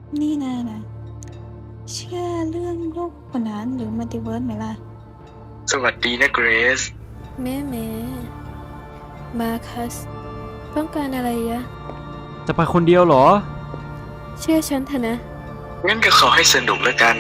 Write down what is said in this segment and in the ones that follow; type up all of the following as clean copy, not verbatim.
นี่นะเชื่อเรื่องโลกขนานหรือมัลติเวิร์สไหมล่ะสวัสดีนะเกรซแม่มาคัสต้องการอะไรยะจะไปคนเดียวเหรอเชื่อฉันเถอะนะงั้นก็ขอให้สนุกแล้วกัน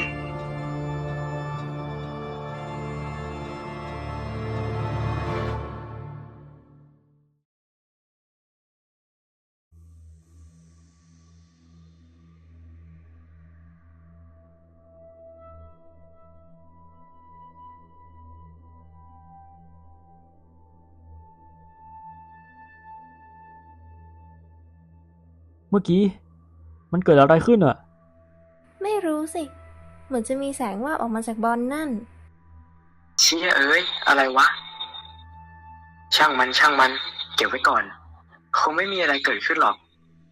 เมื่อกี้มันเกิดอะไรขึ้นอ่ะไม่รู้สิเหมือนจะมีแสงวาบออกมาจากบอลนั่นเชี่ยเอ้ยอะไรวะช่างมันเก็บไว้ก่อนคงไม่มีอะไรเกิดขึ้นหรอก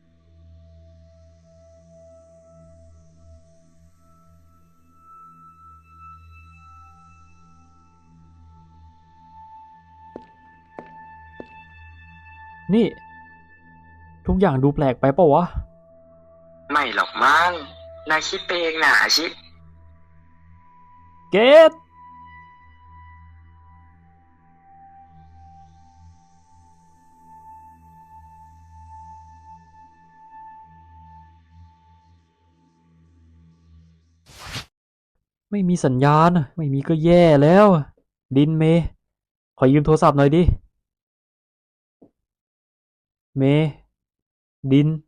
นี่ทุกอย่างดูแปลกไปเปล่าวะไม่หรอกมั้งนายคิดไปเองนะอาชิเกตไม่มีสัญญาณไม่มีก็แย่แล้วดินเมย์ขอยืมโทรศัพท์หน่อยดิเมย์ดิน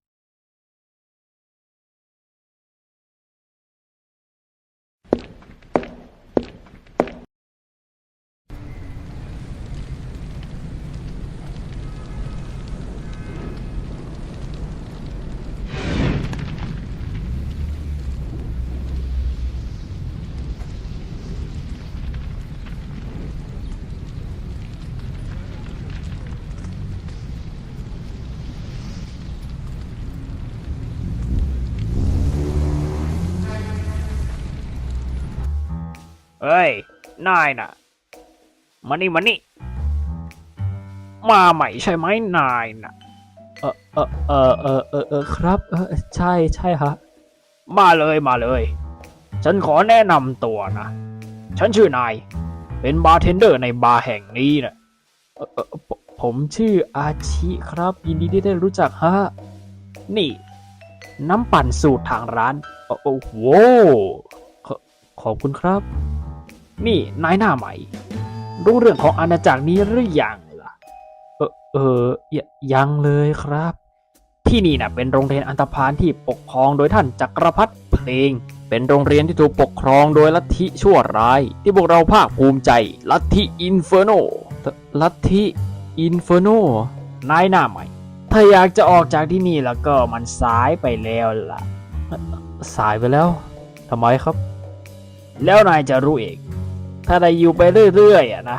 เอ้ยนายน่ะมานี่มาใหม่ใช่ไหมนายน่ะครับใช่ฮะมาเลยฉันขอแนะนำตัวนะฉันชื่อนายเป็นบาร์เทนเดอร์ในบาร์แห่งนี้นะผมชื่ออาชิครับยินดีที่ได้รู้จักฮะนี่น้ำปั่นสูตรทางร้านโอ้โหขขอบคุณครับนี่นายหน้าใหม่รู้เรื่องของอาณาจักรนี้หรือยังล่ะยังเลยครับที่นี่นะเป็นโรงเรียนอันธพาลที่ปกครองโดยท่านจักรพรรดิเพลงเป็นโรงเรียนที่ถูกปกครองโดยลัทธิชั่วร้ายที่พวกเราภาคภูมิใจลัทธิอินเฟอร์โนลัทธิอินเฟอร์โนนายหน้าใหม่ถ้าอยากจะออกจากที่นี่แล้วก็มันสายไปแล้วล่ะสายไปแล้วทำไมครับแล้วนายจะรู้เองถ้าได้อยู่ไปเรื่อยๆอะนะ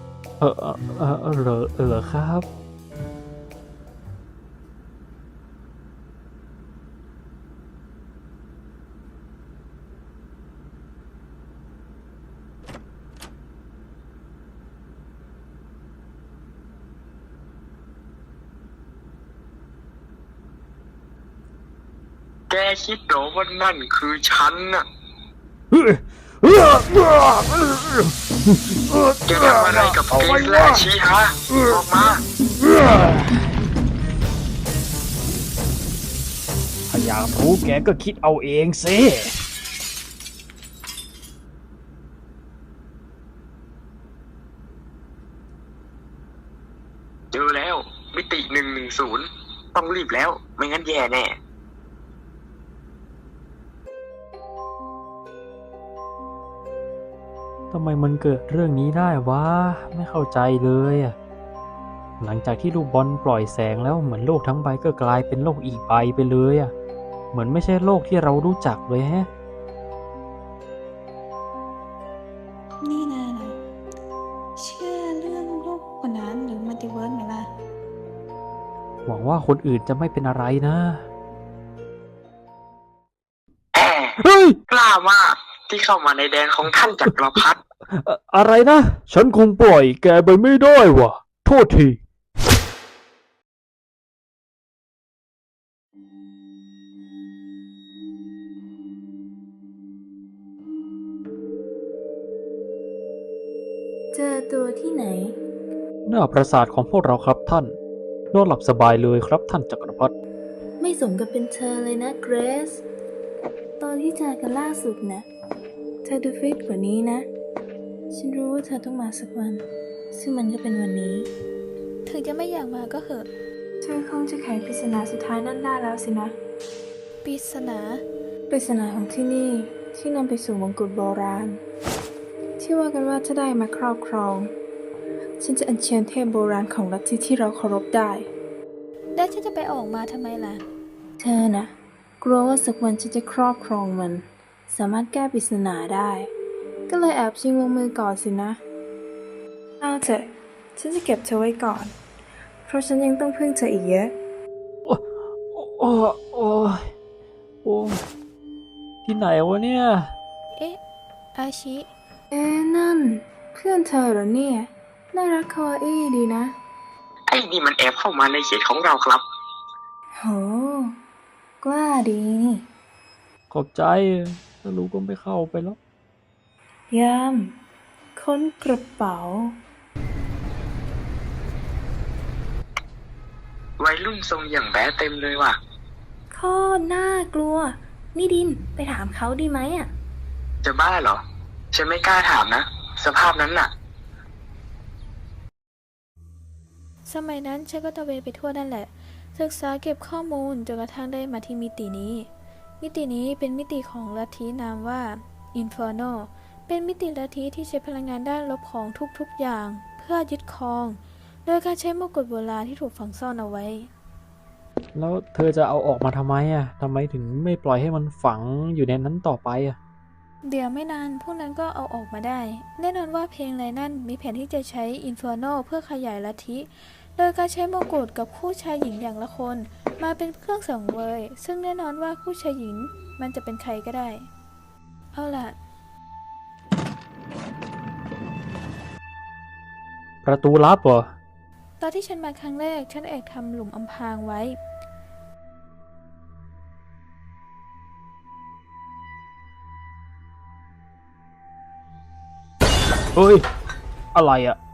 เหรอครับแกคิดเหรอว่านั่นคือฉันน่ะแกทำอะไรกับเกรซและอาชิฮะออกมาถ้าอยากรู้แกก็คิดเอาเองสิเจอแล้วมิติ110ต้องรีบแล้วไม่งั้นแย่แน่ทำไมมันเกิดเรื่องนี้ได้วะไม่เข้าใจเลยอะหลังจากที่ลูกบอลปล่อยแสงแล้วเหมือนโลกทั้งใบก็กลายเป็นโลกอีกใบไปเลยอะเหมือนไม่ใช่โลกที่เรารู้จักเลยฮะนี่นะเชื่อเรื่องโลกขนานหรือมัลติเวิร์สไหมล่ะหวังว่าคนอื่นจะไม่เป็นอะไรนะแอบเฮ้ยกล้ามากที่เข้ามาในแดนของท่านจักรพรรดิอะไรนะฉันคงปล่อยแกไปไม่ได้วะโทษทีตัวที่ไหนหน้าปราสาทของพวกเราครับท่านนอนหลับสบายเลยครับท่านจักรพรรดิไม่สมกับเป็นเธอเลยนะเกรซ ตอนที่เจอกันล่าสุดนะเธอดูฟิตกว่านี้นะ ฉันรู้ว่าเธอต้องมาสักวัน ซึ่งมันก็เป็นวันนี้ ถึงจะไม่อยากมาก็เหอะ เธอคงจะไขปริศนาสุดท้ายนั่นได้แล้วสินะ ปริศนาของที่นี่ที่นำไปสู่มงกุฎโบราณ ที่ว่ากันว่าถ้าได้มาครอบครอง ฉันจะอัญเชิญเทพโบราณของลัทธิที่เราเคารพได้ แล้วฉันจะไปออกมาทำไมล่ะ เธอนะกลัวว่าสักวันฉันจะครอบครองมัน สามารถแก้ปริศนาได้ ก็เลยแอบชิงลงมือก่อนสินะ เอาเถอะ ฉันจะเก็บเธอไว้ก่อน เพราะฉันยังต้องพึ่งเธออีกเยอะโอ้โอ้โอ้โอ้ที่ไหนวะเนี่ยเอ๊ะ อาชิ นั่น เพื่อนเธอเหรอเนี่ย น่ารักคาวาอี้ดีนะไอ้นี่มันแอบเข้ามาในเขตของเราครับโห กล้าดีนี่ขอบใจถ้ารู้ก็ไม่เข้าไปแล้วยามค้นกระเป๋าวัยรุ่นทรงอย่างแบ๊เต็มเลยว่ะข้อน่ากลัว นี่ดินไปถามเขาดีไหมอ่ะจะบ้าเหรอ ฉันไม่กล้าถามนะ สภาพนั้นน่ะสมัยนั้นฉันก็ตระเวนไปทั่วนั่นแหละ ศึกษาเก็บข้อมูลจนกระทั่งได้มาที่มิตินี้ มิตินี้เป็นมิติของลัทธินามว่า Inferno เป็นมิติลัทธิที่ใช้พลังงานด้านลบของทุกๆอย่าง เพื่อยึดครอง โดยการใช้มกุฎโบราณที่ถูกฝังซ่อนเอาไว้แล้วเธอจะเอาออกมาทำไมอ่ะทำไมถึงไม่ปล่อยให้มันฝังอยู่ในนั้นต่อไปอ่ะเดี๋ยวไม่นานพวกนั้นก็เอาออกมาได้ แน่นอนว่าเพลงไรนั่นมีแผนที่จะใช้ Inferno เพื่อขยายลัทธิ โดยการใช้มงกุฎกับคู่ชายหญิงอย่างละคน มาเป็นเครื่องสังเวย ซึ่งแน่นอนว่าคู่ชายหญิงมันจะเป็นใครก็ได้ เอาล่ะประตูลับเหรอตอนที่ฉันมาครั้งแรกฉันแอบทำหลุมอำพรางไว้เฮ้ย อะไรอ่ะ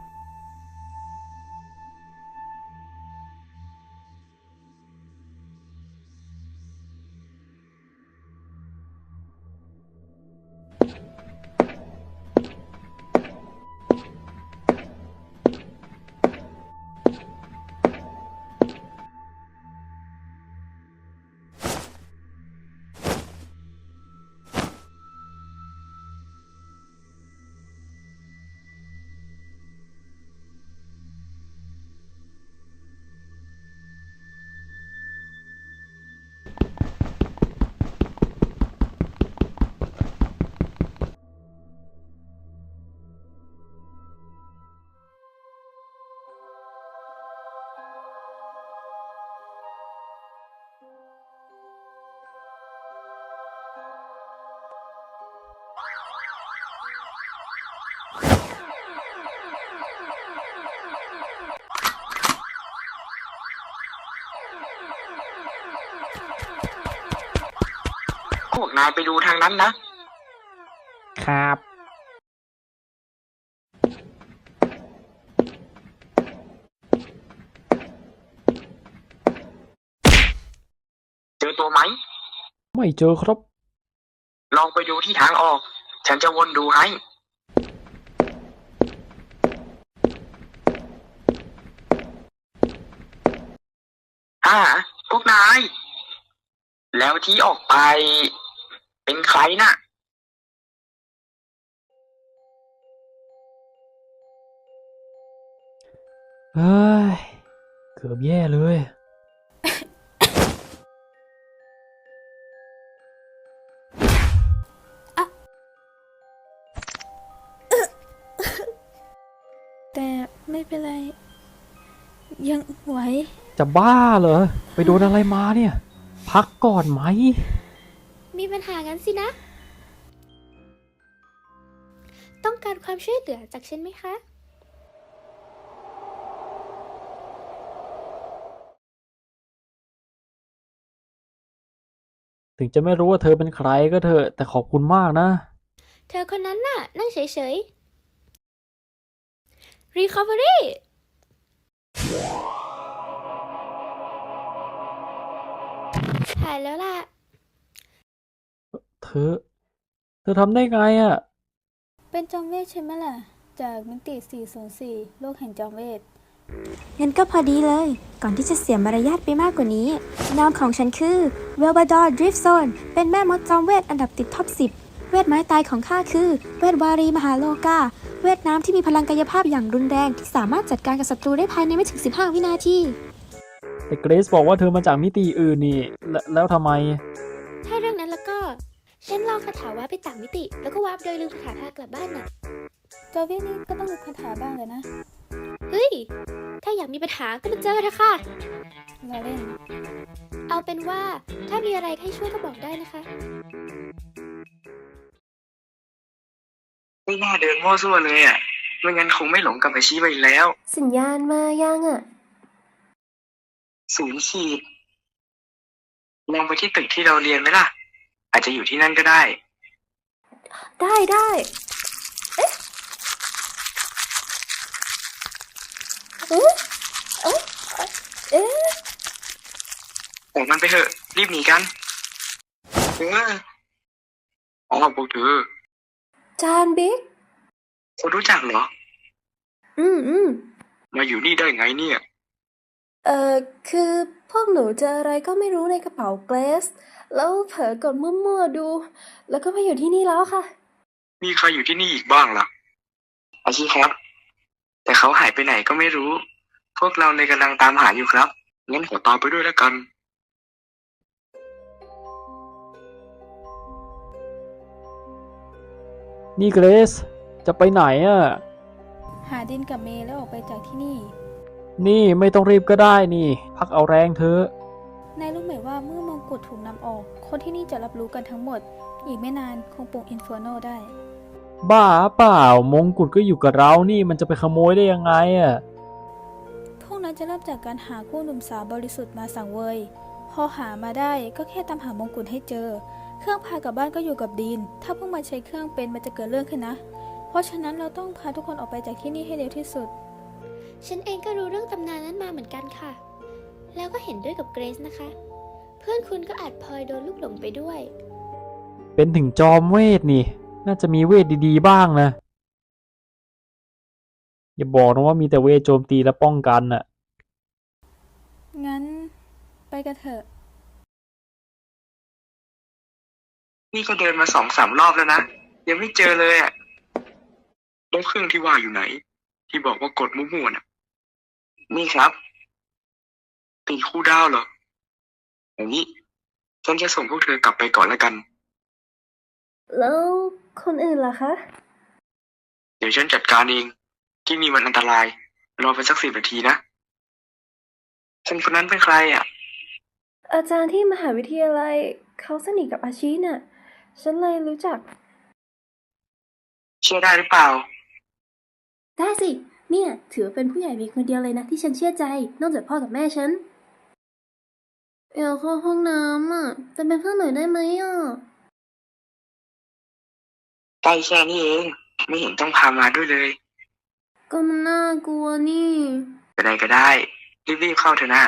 พวกนายไปดูทางนั้นนะครับเจอตัวไหมไม่เจอครับลองไปดูที่ทางออก ฉันจะวนดูให้ พวกนาย แล้วที่ออกไป เป็นใครน่ะเฮ้ย เกือบแย่เลยแต่ไม่เป็นไร ยังไหวจะบ้าเหรอ ไปโดนอะไรมาเนี่ย พักก่อนไหมมีปัญหางั้นสินะ ต้องการความช่วยเหลือจากฉันไหมคะถึงจะไม่รู้ว่าเธอเป็นใครก็เถอะ แต่ขอบคุณมากนะเธอคนนั้นน่ะ นั่งเฉย Recovery หายแล้วล่ะเธอทำได้ไงอะเป็นจอมเวทใช่ไหมล่ะ จากมิติ 404 โลกแห่งจอมเวทงั้นก็พอดีเลย ก่อนที่จะเสียมารยาทไปมากกว่านี้ นามของฉันคือเวลบาดอร์ดริฟโซนเป็นแม่มดจอมเวทอันดับติดท็อป 10 เวทไม้ตายของข้าคือ เวทวารีมหาโลกา เวทน้ำที่มีพลังกายภาพอย่างรุนแรงที่สามารถจัดการกับศัตรูได้ภายในไม่ถึง 15 วินาทีแต่เกรซบอกว่าเธอมาจากมิติอื่นนี่ แล้วทำไมถ้าเรื่องนั้นแล้วก็ ฉันลองคาถาวาร์ปไปต่างมิติ แล้วก็วาร์ปโดยลืมคาถาพากลับบ้านน่ะจอมเวทนี่ก็ต้องมีคาถาบ้างเลยนะเฮ้ย ถ้าอยากมีปัญหาก็มาเจอเถอะค่ะเราเล่นเอาเป็นว่าถ้ามีอะไรให้ช่วยก็บอกได้นะคะไม่น่าเดินมั่วซั่วเลยอ่ะ ไม่งั้นคงไม่หลงกับอาชีพไปอีกแล้วสัญญาณมายังอ่ะ 0 ขีดลองไปที่ตึกที่เราเรียนไหมล่ะ อาจจะอยู่ที่นั่นก็ได้ได้ออกมันไปเถอะ รีบหนีกันอ๋อพวกเธอจานบิ๊กคุณรู้จักเหรอ มาอยู่นี่ได้ไงเนี่ยคือพวกหนูเจออะไรก็ไม่รู้ในกระเป๋าเกรซแล้วเผลอกดมั่วๆดู แล้วก็มาอยู่ที่นี่แล้วค่ะมีใครอยู่ที่นี่อีกบ้างล่ะ อาชีครับ แต่เขาหายไปไหนก็ไม่รู้ พวกเราเลยกำลังตามหาอยู่ครับ งั้นขอตามไปด้วยแล้วกันนี่เกรซจะไปไหนอะหาดินกับเมย์แล้วออกไปจากที่นี่นี่ไม่ต้องรีบก็ได้นี่ พักเอาแรงเธอะนายรู้ไหมว่าเมื่อมงกุฎถูกนำออก คนที่นี่จะรับรู้กันทั้งหมด อีกไม่นานคงปลุกอินเฟอร์โนได้บ้าเปล่ามงกุฎก็อยู่กับเรานี่มันจะไปขโมยได้ยังไงอะพวกนั้นจะเริ่มจากการหาคู่หนุ่มสาวบริสุทธิ์มาสังเวย พอหามาได้ก็แค่ตามหามงกุฎให้เจอ เครื่องพากลับบ้านก็อยู่กับดีน ถ้าพวกมันใช้เครื่องเป็นมันจะเกิดเรื่องขึ้นนะ เพราะฉะนั้นเราต้องพาทุกคนออกไปจากที่นี่ให้เร็วที่สุดฉันเองก็รู้เรื่องตำนานนั้นมาเหมือนกันค่ะ แล้วก็เห็นด้วยกับเกรซนะคะ เพื่อนคุณก็อาจพลอยโดนลูกหลงไปด้วยเป็นถึงจอมเวทนี่ น่าจะมีเวทดีๆบ้างนะ อย่าบอกนะว่ามีแต่เวทโจมตีและป้องกันน่ะงั้นไปกันเถอะนี่ก็เดินมา2-3 รอบแล้วนะ ยังไม่เจอเลยอ่ะแล้วเครื่องที่ว่าอยู่ไหน ที่บอกว่ากดมั่วๆน่ะ นี่ครับ ตีคู่ดาวเหรอ อย่างนี้ ฉันจะส่งพวกเธอกลับไปก่อนแล้วกันแล้วคนอื่นล่ะคะเดี๋ยวฉันจัดการเอง ที่นี่มันอันตราย รอไปสัก10 นาทีนะคนนั้นเป็นใครอ่ะอาจารย์ที่มหาวิทยาลัยเขาสนิทกับอาชีน่ะ ฉันเลยรู้จักเชื่อได้หรือเปล่าได้สิ เนี่ย ถือว่าเป็นผู้ใหญ่มีคนเดียวเลยนะที่ฉันเชื่อใจ นอกจากพ่อกับแม่ฉันอยากเข้าห้องน้ำอ่ะจะเป็นเพื่อนหน่อยได้ไหมอ่ะใกล้แค่นี้เอง ไม่เห็นต้องพามาด้วยเลยก็มันน่ากลัวนี่ไปไหนก็ได้ รีบๆเข้าเถอะนะ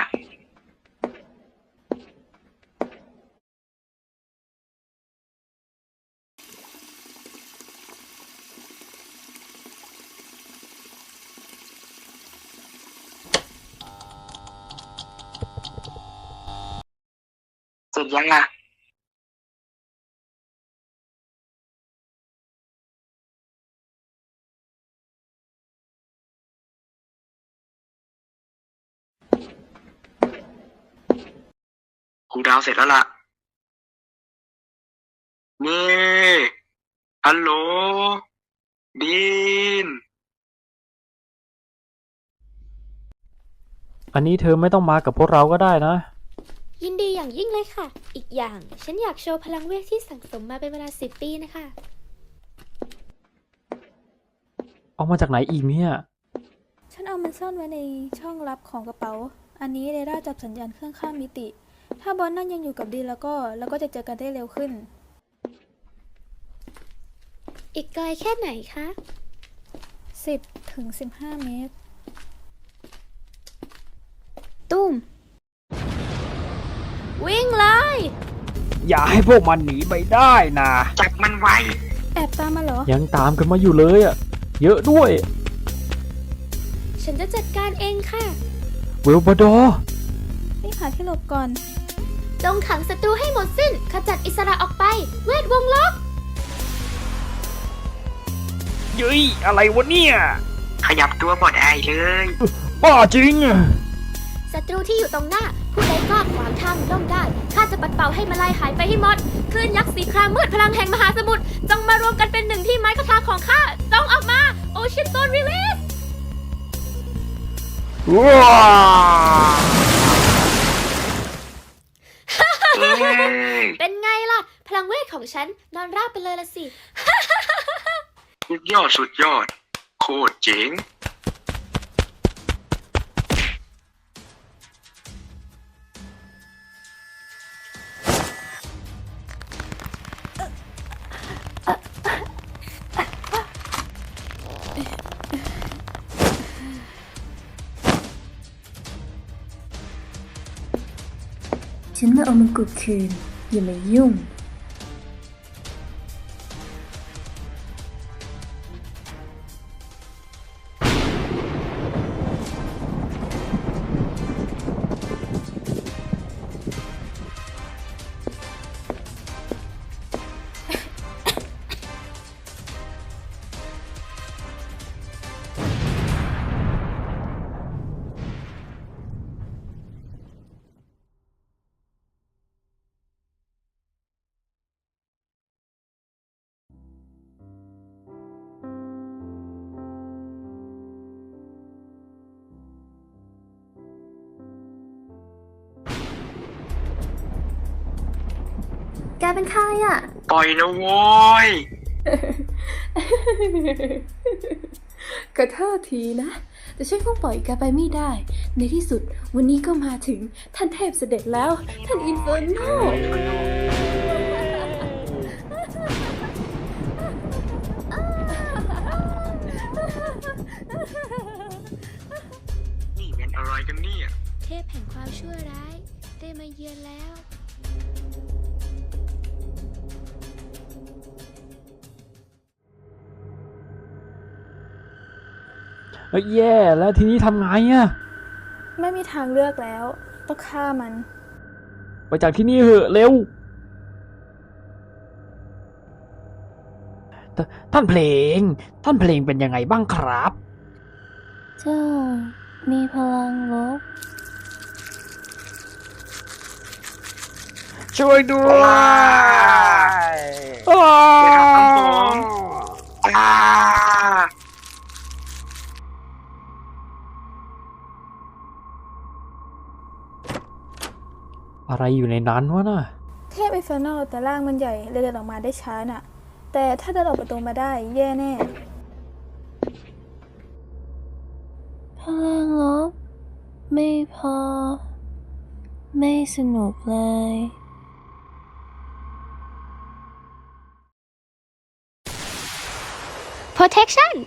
เสร็จยังอ่ะ ครูดาวเสร็จแล้วล่ะ นี่ ฮัลโหล ดีนอันนี้เธอไม่ต้องมากับพวกเราก็ได้นะยินดีอย่างยิ่งเลยค่ะ อีกอย่างฉันอยากโชว์พลังเวทที่สั่งสมมาเป็นเวลา10 ปีนะคะเอามาจากไหนอีกเนี่ยฉันเอามันซ่อนไว้ในช่องลับของกระเป๋า อันนี้เรดาร์จับสัญญาณเครื่องข้ามมิติ ถ้าบอลนั่นยังอยู่กับดีนแล้วก็เราก็จะเจอกันได้เร็วขึ้นอีกไกลแค่ไหนคะ 10 ถึง 15 เมตรตุ้ม วิ่งเลยอย่าให้พวกมันหนีไปได้นะจับมันไว้แอบตามมาเหรอยังตามกันมาอยู่เลยอ่ะ เยอะด้วยฉันจะจัดการเองค่ะเวลบาดอร์นี่หาที่หลบก่อนจงขังศัตรูให้หมดสิ้น ขจัดอิสระออกไป เวทวงล็อกเย้ยอะไรวะเนี่ยขยับตัวบอดไอเลยบ้าจริงอะศัตรูที่อยู่ตรงหน้า ผู้ใดกล้าขวางทางย่อมได้ ข้าจะปัดเป่าให้มาลายหายไปให้หมด คลื่นยักษ์สีครามมืดพลังแห่งมหาสมุทร จงมารวมกันเป็นหนึ่งที่ไม้คาถาของข้า จงออกมา โอเชียนโซนรีลีสว้าเอ้ยเป็นไงล่ะ พลังเวทของฉันนอนราบไปเลยละสิสุดยอดสุดยอด โคตรเจ๋งฉันมาเอามงกุฎคืน อย่ามายุ่ง แกเป็นใครอ่ะปล่อยนะโว้ยกระเทอทีนะ แต่ฉันคงปล่อยแกไปไม่ได้ ในที่สุดวันนี้ก็มาถึงท่านเทพเสด็จแล้ว ท่านอินเฟอร์โนนี่เป็นอะไรกันเนี่ยเทพแห่งความชั่วร้าย ได้มาเยือนแล้วเฮ้ยแย่แล้วทีนี้ทำไงอะไม่มีทางเลือกแล้ว ต้องฆ่ามันไปจากที่นี่เหอะเร็ว ท่านเพลง ท่านเพลงเป็นยังไงบ้างครับเจ้ามีพลังลบช่วยด้วยอย่าทำผม อ่าอะไรอยู่ในนั้นวะน่ะเทพอินเฟอร์โนแต่ร่างมันใหญ่เลยเดินออกมาได้ช้าน่ะ แต่ถ้าเดินออกประตูมาได้แย่แน่พลังลบ ไม่พอ ไม่สนุกเลย protection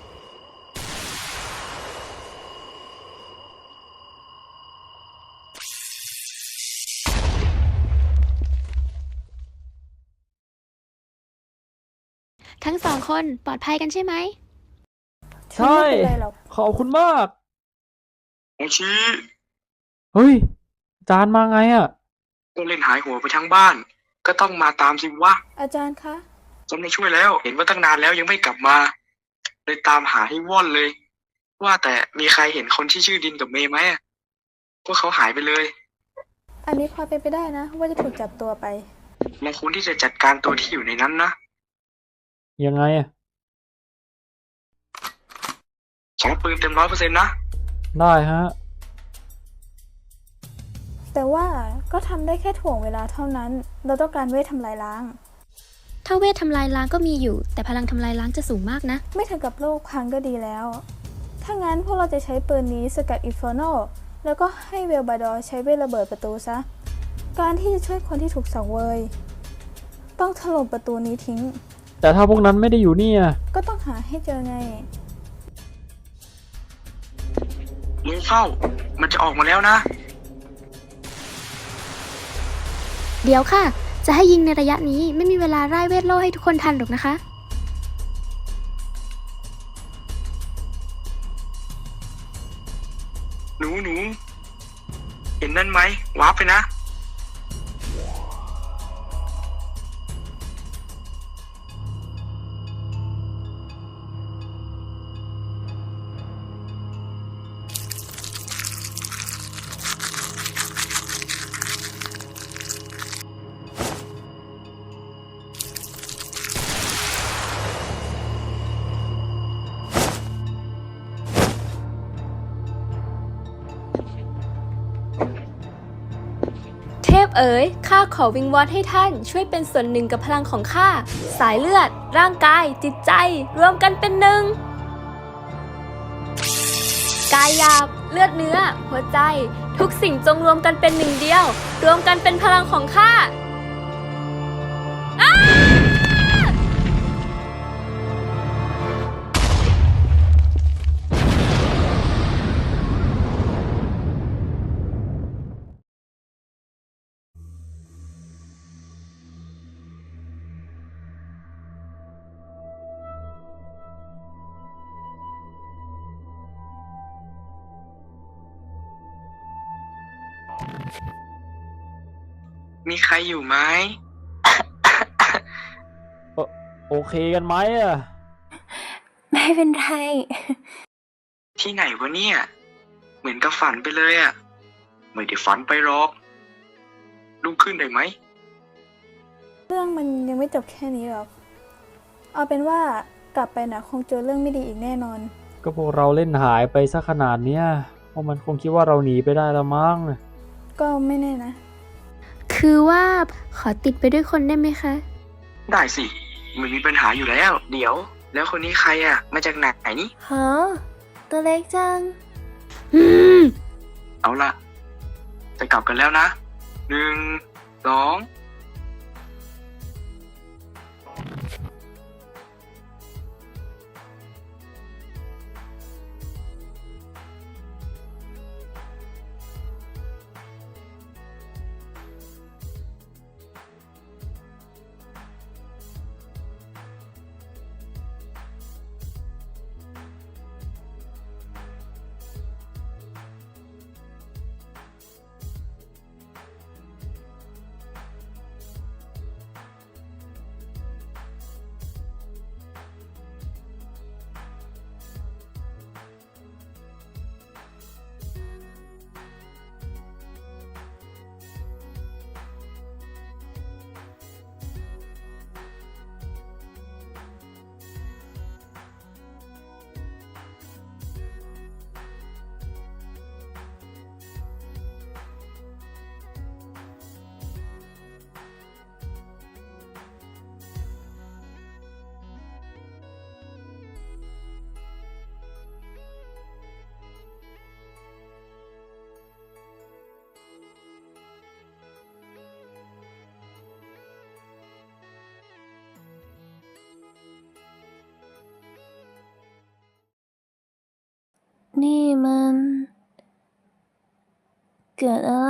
ทั้งสองคนปลอดภัยกันใช่ไหมใช่ไม่เป็นไรหรอกขอบคุณมากโอชิเฮ้ยอาจารย์มาไงอะก็เล่นหายหัวไปทั้งบ้าน ก็ต้องมาตามสิวะอาจารย์คะจะไม่ช่วยแล้ว เห็นว่าตั้งนานแล้วยังไม่กลับมา เลยตามหาให้ว่อนเลย ว่าแต่มีใครเห็นคนที่ชื่อดินกับเมย์ไหมอะพวกเขาหายไปเลยอันนี้พอเป็นไปได้นะ ว่าจะถูกจับตัวไปเราควรที่จะจัดการตัวที่อยู่ในนั้นนะยังไงอะใช้ปืนเต็ม100%นะได้ฮะแต่ว่าก็ทำได้แค่ถ่วงเวลาเท่านั้น เราต้องการเวททำลายล้างถ้าเวททำลายล้างก็มีอยู่ แต่พลังทำลายล้างจะสูงมากนะไม่ถึงกับโลกพังก็ดีแล้ว ถ้างั้นพวกเราจะใช้ปืนนี้สกัดอินฟอร์โนแล้วก็ให้เวลบาดอร์ใช้เวทระเบิดประตูซะ การที่จะช่วยคนที่ถูกสังเวย ต้องถล่มประตูนี้ทิ้งแต่ถ้าพวกนั้นไม่ได้อยู่นี่อะก็ต้องหาให้เจอไงเข้า มันจะออกมาแล้วนะเดี๋ยวค่ะ จะให้ยิงในระยะนี้ไม่มีเวลาร่ายเวทโล่ให้ทุกคนทันหรอกนะคะหนูเห็นนั่นไหมวาร์ปไปนะเทพเอ๋ย ข้าขอวิงวอนให้ท่านช่วยเป็นส่วนหนึ่งกับพลังของข้า สายเลือด ร่างกาย จิตใจ รวมกันเป็นหนึ่ง กายหยาบ เลือดเนื้อ หัวใจ ทุกสิ่งจงรวมกันเป็นหนึ่งเดียว รวมกันเป็นพลังของข้ามีใครอยู่ไหมโอเคกันไหมอะไม่เป็นไรที่ไหนวะเนี่ย เหมือนกับฝันไปเลยอะไม่ได้ฝันไปหรอกลุกขึ้นได้ไหมเรื่องมันยังไม่จบแค่นี้หรอก เอาเป็นว่ากลับไปนะคงเจอเรื่องไม่ดีอีกแน่นอนก็พวกเราเล่นหายไปซะขนาดเนี้ยพวกมันคงคิดว่าเราหนีไปได้ละมั้งก็ไม่แน่นะคือว่าขอติดไปด้วยคนได้ไหมคะได้สิไม่มีปัญหาอยู่แล้ว เดี๋ยว แล้วคนนี้ใครอะมาจากไหนนี่ฮะ ตัวเล็กจังอืมเอาละจะกลับกันแล้วนะ 1 2 นี่มัน เกิดอะไร